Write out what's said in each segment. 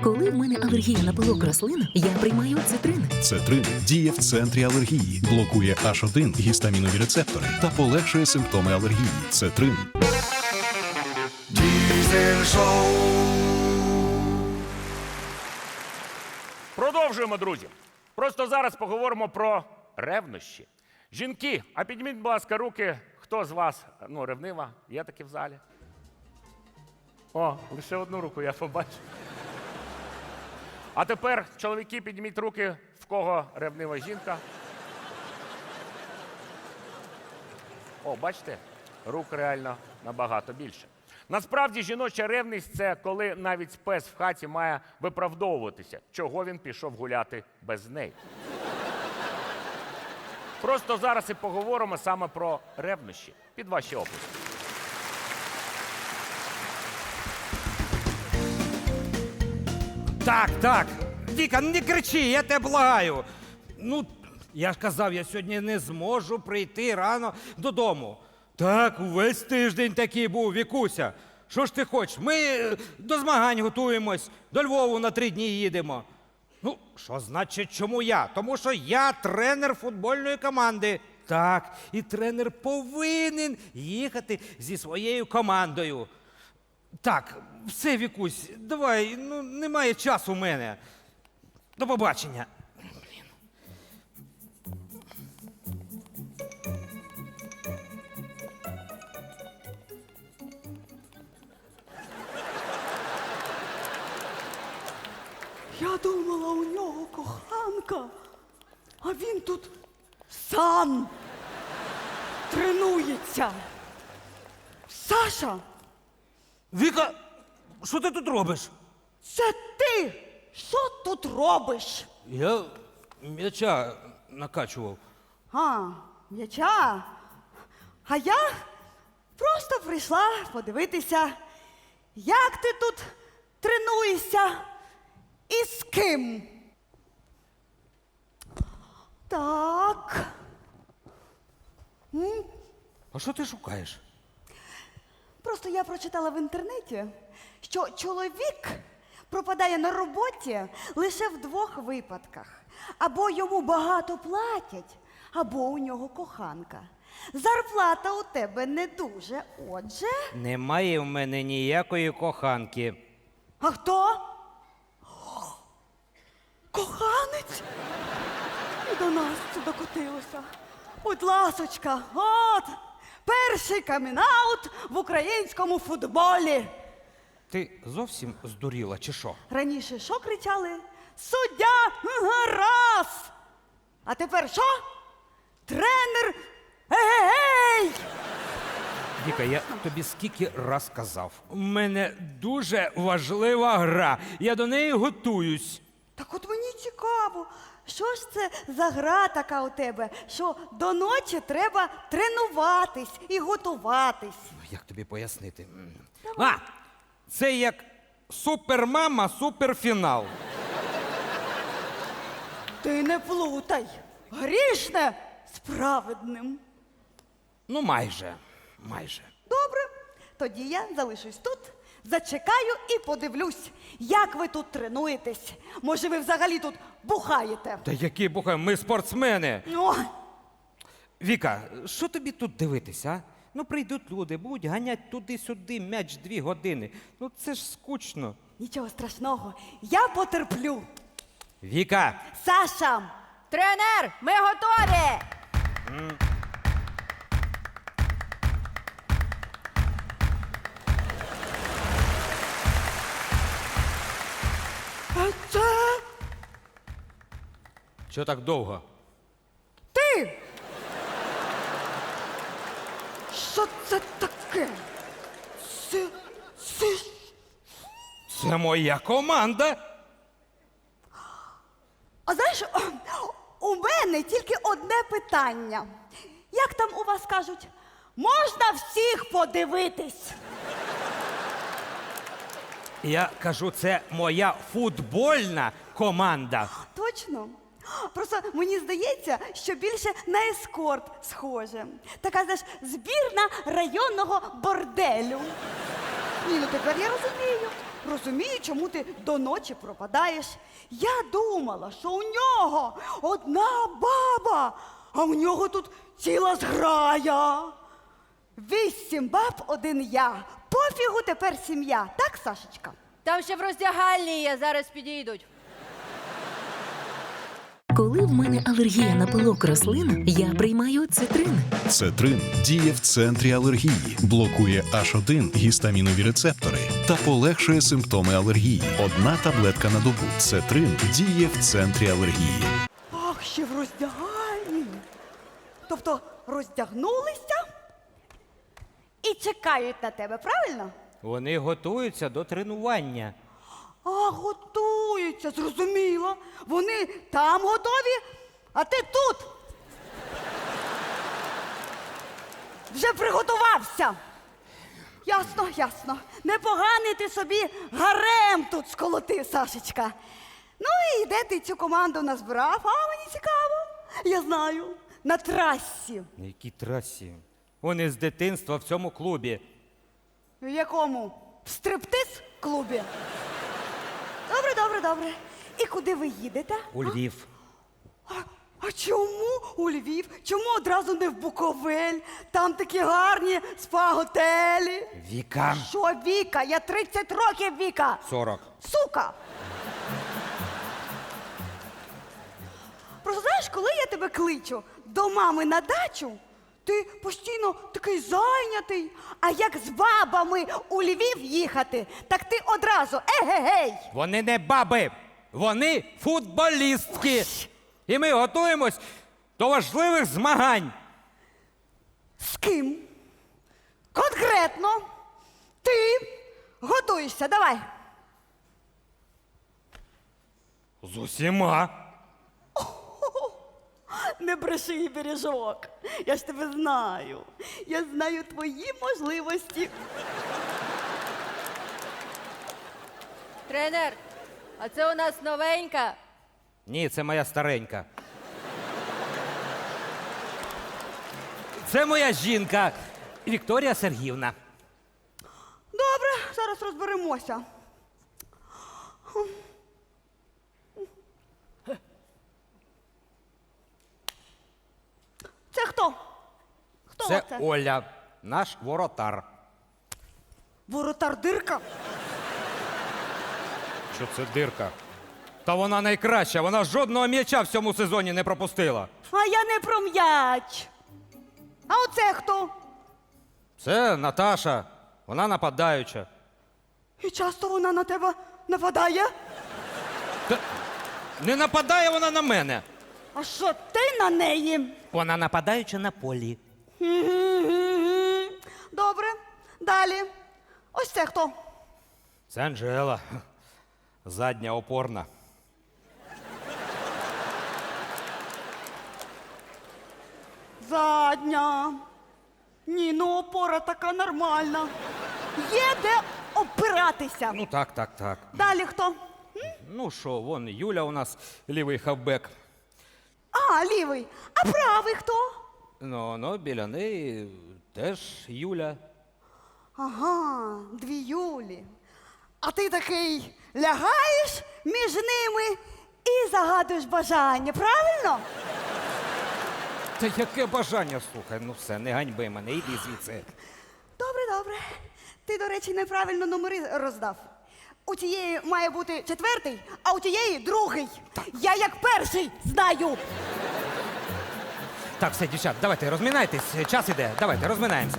Коли в мене алергія на пилок рослин, я приймаю цитрин. Цетрин діє в центрі алергії, блокує H1 гістамінові рецептори та полегшує симптоми алергії. Цетрин. Diesel Show. Продовжуємо, друзі. Просто зараз поговоримо про ревнощі. Жінки, а підніміть, будь ласка, руки, хто з вас, ревнива, є такі в залі? О, лише одну руку я побачив. А тепер, чоловіки, підніміть руки, в кого ревнива жінка. О, бачите, рук реально набагато більше. Насправді, жіноча ревність – це коли навіть пес в хаті має виправдовуватися, чого він пішов гуляти без неї. Просто зараз і поговоримо саме про ревнощі. Під ваші оплески. Так. Віка, не кричи, я тебе благаю. Я ж казав, я сьогодні не зможу прийти рано додому. Так, увесь тиждень такий був, Вікуся. Що ж ти хочеш? Ми до змагань готуємось, до Львову на 3 дні їдемо. Що значить, чому я? Тому що я тренер футбольної команди. Так, і тренер повинен їхати зі своєю командою. Так, все, Вікусь, давай, немає часу в мене. До побачення. Я думала, у нього коханка, а він тут сам тренується. Саша, Віка, що ти тут робиш? це ти! Що тут робиш? Я м'яча накачував. М'яча? А я просто прийшла подивитися, як ти тут тренуєшся і з ким. Так. А що ти шукаєш? Просто я прочитала в інтернеті, що чоловік пропадає на роботі лише в 2 випадках. Або йому багато платять, або у нього коханка. Зарплата у тебе не дуже, отже... Немає в мене ніякої коханки. А хто? Коханець? І до нас це докотилося. Будь ласочка, от, перший камінаут в українському футболі. Ти зовсім здуріла, чи що? Раніше що кричали? Суддя раз! А тепер що? Тренер ей! Віка, я тобі скільки раз казав. У мене дуже важлива гра. Я до неї готуюсь. Так от мені цікаво, що ж це за гра така у тебе, що до ночі треба тренуватись і готуватись. Як тобі пояснити? Це як супермама, суперфінал. Ти не плутай. Грішне з праведним. Майже. Добре, тоді я залишусь тут, зачекаю і подивлюсь, як ви тут тренуєтесь. Може, ви взагалі тут бухаєте? Та які бухаємо, ми спортсмени. О, Віка, що тобі тут дивитися, а? Прийдуть люди, будуть ганять туди-сюди м'яч 2 години. Це ж скучно. нічого страшного, я потерплю. Віка! Саша! Тренер, ми готові! А це Що так довго? ти! Що це таке? Це... Це моя команда. А знаєш, у мене тільки одне питання. Як там у вас кажуть? Можна всіх подивитись? Я кажу, це моя футбольна команда. Точно? Просто мені здається, що більше на ескорт схоже. Така, знаєш, збірна районного борделю. Ні, тепер я розумію. розумію, чому ти до ночі пропадаєш. Я думала, що у нього одна баба, а у нього тут ціла зграя. 8 баб, 1 я. Пофігу тепер сім'я. Так, Сашечка? Там ще в роздягальні є, зараз підійдуть. Коли в мене алергія на пилок рослин, я приймаю цитрин. Цетрин діє в центрі алергії, блокує H1 гістамінові рецептори та полегшує симптоми алергії. Одна таблетка на добу. Цетрин діє в центрі алергії. Ах, ще в роздягальні. Тобто роздягнулися і чекають на тебе, правильно? Вони готуються до тренування. А, готуються, зрозуміло. Вони там готові, а ти тут. Вже приготувався. Ясно, ясно. Непоганий ти собі гарем тут сколотив, Сашечка. Ну і де ти цю команду назбирав? А, мені цікаво. Я знаю. На трасі. На якій трасі? Вони з дитинства в цьому клубі. В якому? В стриптиз-клубі? Добре, добре, добре. І куди ви їдете? У Львів. А чому у Львів? Чому одразу не в Буковель? Там такі гарні спа-готелі. Віка. Що Віка? Я 30 років Віка. 40. Сука! Просто знаєш, коли я тебе кличу до мами на дачу, ти постійно такий зайнятий. А як з бабами у Львів їхати, так ти одразу егегей! Вони не баби, вони футболістки. І ми готуємось до важливих змагань. З ким? Конкретно. Ти готуєшся, давай. З усіма. Не бреши, бережок. Я ж тебе знаю. Я знаю твої можливості. Тренер, а це у нас новенька. Ні, це моя старенька. Це моя жінка Вікторія Сергіївна. Добре, зараз розберемося. Це хто? Хто Це це? Оля, наш воротар. Воротар дирка? Що це дирка? Та вона найкраща, вона жодного м'яча в цьому сезоні не пропустила. А я не про м'яч. А оце хто? Це Наташа, вона нападаюча. І часто вона на тебе нападає? Та не нападає вона на мене. А що ти на неї? Вона нападаюча на полі. Мгм. Добре, далі. Ось це хто? Це Анжела. Задня опорна. Задня. Ні, ну опора така нормальна. Є де опиратися. Ну так. Далі хто? Ну що, вон Юля у нас лівий хавбек. А, лівий. А правий хто? Ну, біля неї теж Юля. Ага, 2 Юлі. А ти такий лягаєш між ними і загадуєш бажання, правильно? Та яке бажання, слухай, ну все, не ганьби мене, іди звідси. Добре, добре. Ти, до речі, неправильно номери роздав. У тієї має бути 4-й, а у тієї 2-й. Я як перший знаю. Так, все, дівчат, давайте, розмінайтесь, час іде, давайте, розминаємося.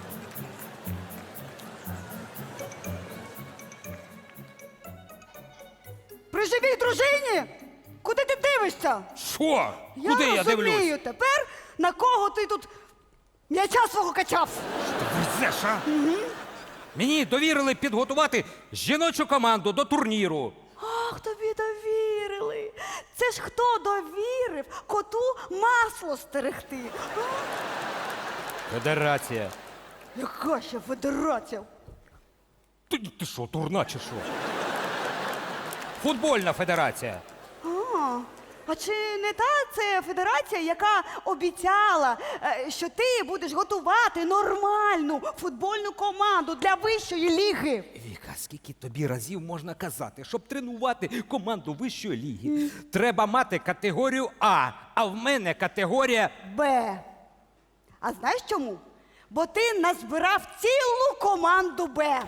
При живій дружині? Куди ти дивишся? Що? Куди я розумію дивлюсь? тепер, на кого ти тут м'яча свого качав. Везеш, а? Мені довірили підготувати жіночу команду до турніру. Ах, тобі довірили. Це ж хто довірив коту масло стерегти? А? Федерація. Яка ще федерація? Ти що, турна чи що? Футбольна федерація. А чи не та це федерація, яка обіцяла, що ти будеш готувати нормальну футбольну команду для вищої ліги? Віка, скільки тобі разів можна казати, щоб тренувати команду вищої ліги, треба мати категорію а в мене категорія. Б. А знаєш чому? Бо ти назбирав цілу команду Б.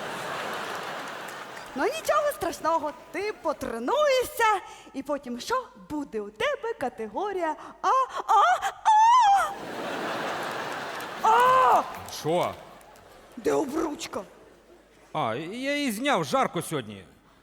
Ну нічого страшного, ти потренуєшся, і потім що? Буде у тебе категорія А. Що? Де обручка? А, я її зняв, жарко сьогодні.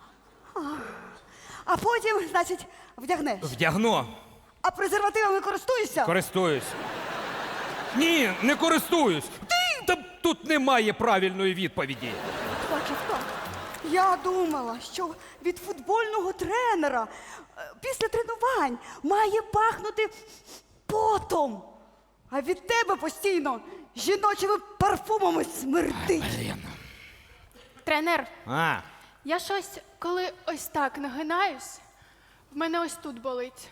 А потім, значить, вдягнеш. Вдягну. А презервативами користуєшся? Користуюсь. Ні, не користуюсь. Та тут немає правильної відповіді. Бачив, так. Я думала, що від футбольного тренера після тренувань має пахнути потом. А від тебе постійно жіночими парфумами смердить. Тренер, А, я щось, коли ось так нагинаюсь, в мене ось тут болить.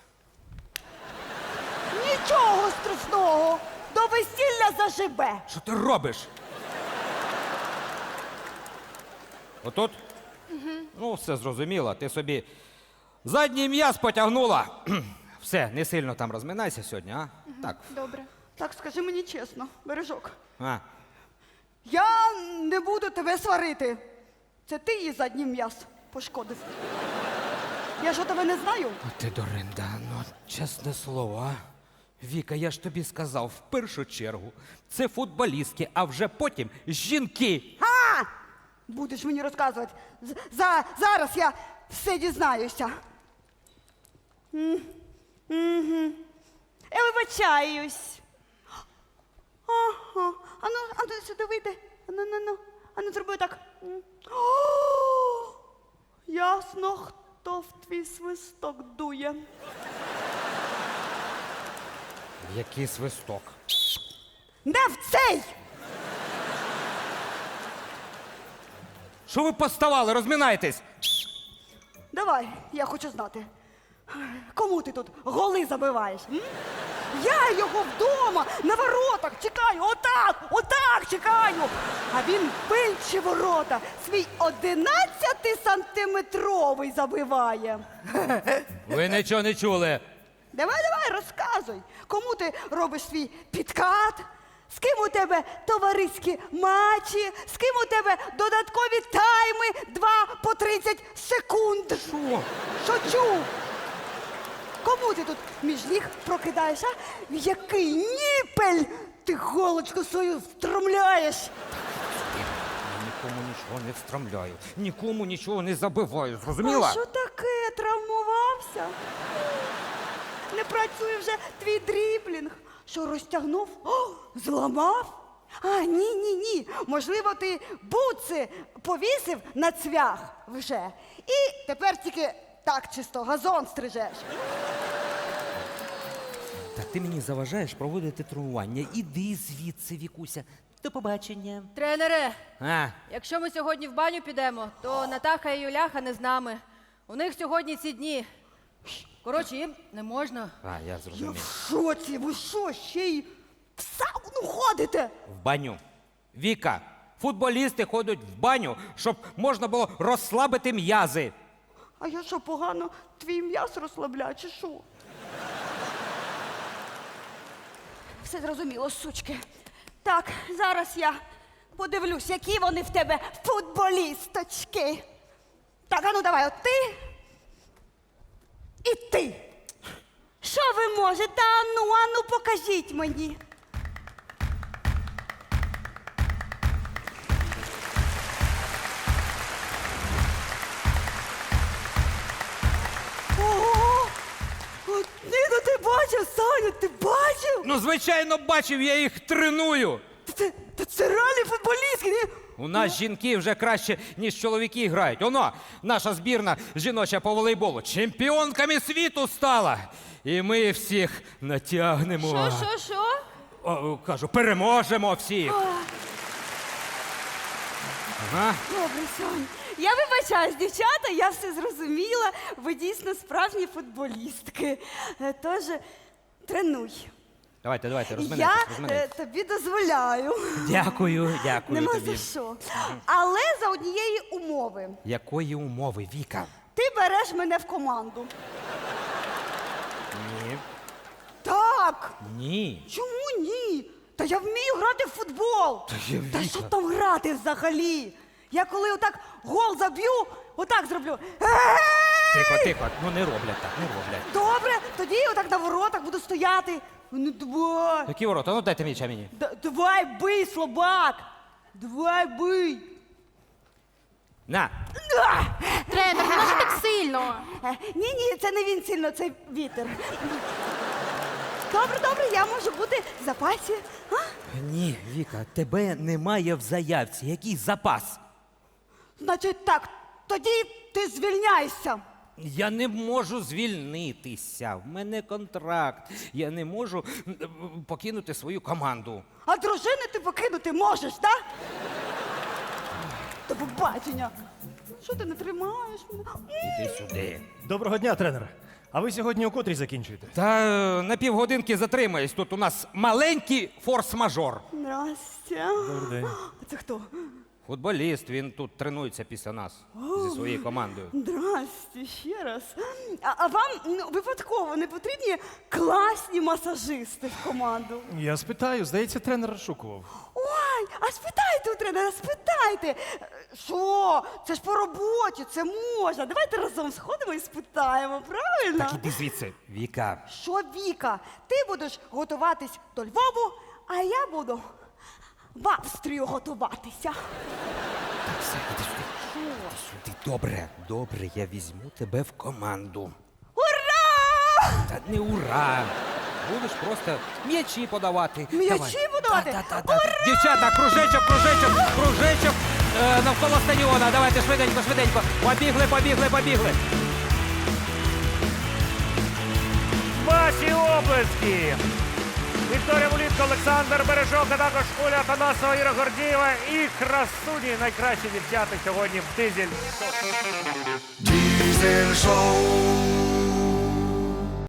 Нічого страшного. До весілля заживе. що ти робиш? Отут? Ну, все зрозуміло. Ти собі задній м'яз потягнула. Все, не сильно там розминайся сьогодні, а? Так. Добре. Так, скажи мені чесно, Бережок. А. Я не буду тебе сварити. Це ти її задній м'яз пошкодив. Я що тебе не знаю? Ти, Доринда, ну, чесне слово, а? Віка, я ж тобі сказав, в першу чергу, це футболістки, а вже потім жінки. А! Будеш мені розказувати. Зараз я все дізнаюся. Я вибачаюсь. Ага. Ану, сюди вийди. Ану, зроби так. О, ясно, хто в твій свисток дує. Який свисток? Не в цей! Що ви поставали, розминайтесь? Давай, я хочу знати. Кому ти тут голи забиваєш? М? Я його вдома на воротах чекаю, отак чекаю. А він більші ворота свій 11-сантиметровий забиває. Ви нічого не чули. Давай, розказуй, кому ти робиш свій підкат? З ким у тебе товариські матчі? З ким у тебе додаткові тайми 2 по 30 секунд? Що? Шучу! Кому ти тут між ніг прокидаєш, а? В який ніпель ти голочку свою встромляєш? Я нікому нічого не встромляю, нікому нічого не забиваю, зрозуміла? А що таке? Травмувався? Не працює вже твій дріблінг. Що, розтягнув? О, зламав? А, ні. Можливо, ти бутси повісив на цвях вже. І тепер тільки так чисто газон стрижеш. Та ти мені заважаєш проводити тренування. Іди звідси, Вікуся. До побачення. Тренере, А, якщо ми сьогодні в баню підемо, то Натаха і Юляха не з нами. У них сьогодні ці дні. Коротше, їм не можна. я Я зрозумів. в шоці, ви що, ще й в сауну ходите? В баню. Віка, футболісти ходять в баню, щоб можна було розслабити м'язи. А я що, погано твій м'яз розслабляю, чи що? Все зрозуміло, сучки. Так, зараз я подивлюсь, які вони в тебе футболісточки. Так, а ну давай, от ти і ти. Що ви можете? Ану, покажіть мені. Ого! От, Ніно, ти бачив, Саню, ти бачив? Ну, звичайно, бачив, я їх треную. Це реальні футболістки, ні? У нас жінки вже краще, ніж чоловіки грають. Оно, наша збірна жіноча по волейболу чемпіонками світу стала. І ми всіх натягнемо. Що? О, кажу, переможемо всіх. Ага. Добре, Сонь. Я вибачаюсь, дівчата, я все зрозуміла. Ви дійсно справжні футболістки. Тож тренуй. Давайте, Я розминайтесь. тобі дозволяю. Дякую Нема тобі. за що. Але за однієї умови. Якої умови, Віка? Ти береш мене в команду. Ні. Так. Ні. Чому ні? Та я вмію грати в футбол. Та Віка. що там грати взагалі? Я коли отак гол заб'ю, отак зроблю. Тихо, ну не роблять так, не роблять. Добре, тоді отак на воротах буду стояти. Ну давай. Які ворота? Ну дайте м'яча мені. Давай бий, слабак. Давай бий. На. Тренер, не може так сильно. Ні, це не він сильно, це вітер. Добре, я можу бути в запасі. А? Ні, Віка, тебе немає в заявці. Який запас? Значить так, тоді ти звільняйся. Я не можу звільнитися. В мене контракт. Я не можу покинути свою команду. А дружини ти покинути можеш, так? До побачення. Що ти не тримаєш мене? Іди сюди. Доброго дня, тренер. А ви сьогодні о котрій закінчуєте? Та на півгодинки затримаюсь. Тут у нас маленький форс-мажор. Здрастя. Добрий день. А це хто? Футболіст, він тут тренується після нас зі своєю командою. Здрасте, ще раз. А вам випадково не потрібні класні масажисти в команду? Я спитаю, здається, тренер розшукував. Ой, а спитайте у тренера, спитайте. Що? Це ж по роботі, це можна. Давайте разом сходимо і спитаємо, правильно? Так іди звідси. Віка. Що, Віка, ти будеш готуватись до Львову, а я буду в Австрію готуватися. Так, все, іди сюди. Іди сюди. Добре, я візьму тебе в команду. Ура! Та не ура! Будеш просто м'ячі подавати. М'ячі Давай. подавати? Та. Дівчата, кружечок навколо стадіона. Давайте швиденько. Побігли. Ваші облески! Вікторія Мулітко, Олександр Бережок, а також Оля Афанасова, Іра Гордієва і красуні найкращі дівчата сьогодні в Дизель. Diesel Show.